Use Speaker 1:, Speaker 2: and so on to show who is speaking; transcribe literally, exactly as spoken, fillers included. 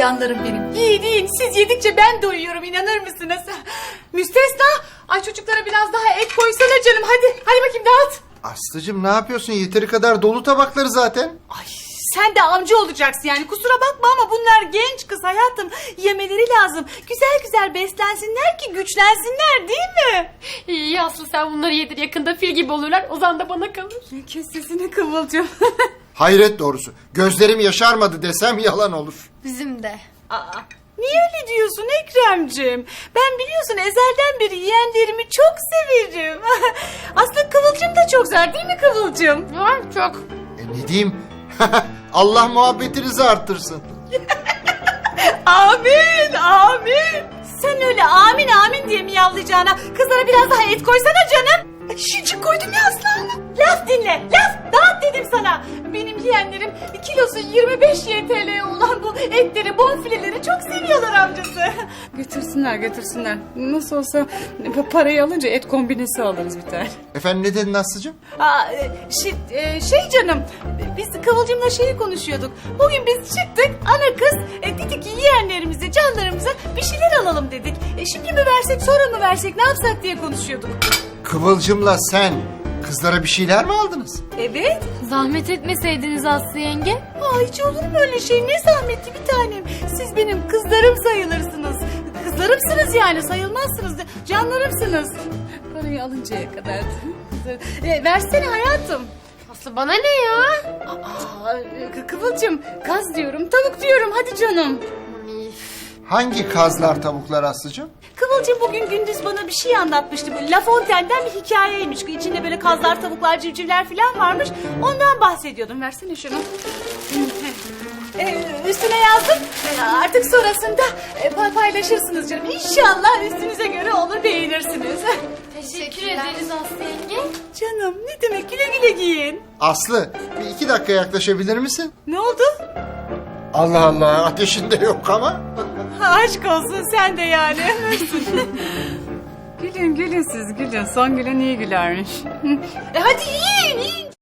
Speaker 1: canlarım benim. Yiyin yiyin, siz yedikçe ben doyuyorum, inanır mısınız? Müstesna, ay çocuklara biraz daha et koysana canım, hadi. Hadi bakayım dağıt.
Speaker 2: Aslıcığım ne yapıyorsun? Yeteri kadar dolu tabakları zaten.
Speaker 1: Ay sen de amca olacaksın yani, kusura bakma ama bunlar genç kız hayatım. Yemeleri lazım. Güzel güzel beslensinler ki güçlensinler, değil mi?
Speaker 3: İyi Aslı, sen bunları yedir, yakında fil gibi olurlar. Ozan da bana kalır.
Speaker 1: Kes sesini Kıvılcım.
Speaker 2: Hayret doğrusu. Gözlerim yaşarmadı desem yalan olur.
Speaker 3: Bizim de.
Speaker 1: Aa, niye öyle diyorsun Ekrem'cim? Ben biliyorsun ezelden beri yeğenlerimi çok severim. Aslında Kıvılcım da çok güzel, değil mi Kıvılcım?
Speaker 3: Var çok.
Speaker 2: E ne diyeyim? Allah muhabbetinizi arttırsın.
Speaker 1: Amin, amin. Sen öyle amin amin diye miyavlayacağına kızlara biraz daha et koysana canım. Şişik koydum ya Aslanım. Laf dinle, laf dağıt dedim sana. Benim yeğenlerim kilosu yirmi beş Y T L olan bu etleri, bonfileleri çok seviyorlar amcası. Götürsünler, götürsünler. Nasıl olsa parayı alınca et kombinesi alırız bir tane.
Speaker 2: Efendim ne dedin Aslıcığım?
Speaker 1: Aa, şey, e, şey canım, biz Kıvılcım'la şeyi konuşuyorduk. Bugün biz çıktık, ana kız e, dedik ki yeğenlerimize, canlarımıza bir şeyler alalım dedik. E, şimdi mi versek, sonra mı versek, ne yapsak diye konuşuyorduk.
Speaker 2: Kıvılcımla sen kızlara bir şeyler mi aldınız?
Speaker 1: Evet.
Speaker 3: Zahmet etmeseydiniz Aslı yenge.
Speaker 1: Aa, hiç olur mu öyle şey? Ne zahmetli bir tanem. Siz benim kızlarım sayılırsınız. Kızlarımsınız yani, sayılmazsınız. Canlarımsınız. Parayı alıncaya kadar. E, versene hayatım.
Speaker 3: Aslı bana ne ya?
Speaker 1: Aa, Kı- Kıvılcım, kaz diyorum, tavuk diyorum, hadi canım.
Speaker 2: Hangi kazlar tavuklar Aslıcığım?
Speaker 1: Kıvılcım bugün gündüz bana bir şey anlatmıştı. Bu La Fontaine'den bir hikayeymiş. İçinde böyle kazlar, tavuklar, civcivler falan varmış. Ondan bahsediyordum. Versene şunu. Ee, üstüne yazdım. Ee, artık sonrasında e, pa- paylaşırsınız canım. İnşallah üstünüze göre olur, beğenirsiniz.
Speaker 3: Teşekkür ederiz Aslı yenge.
Speaker 1: Canım ne demek, güle güle giyin.
Speaker 2: Aslı bir iki dakika yaklaşabilir misin?
Speaker 1: Ne oldu?
Speaker 2: Allah Allah ateşinde yok ama.
Speaker 1: Ha, aşk olsun sen de yani. Gülün gülün siz gülün. Son gülen iyi gülermiş. e hadi yiyin yiyin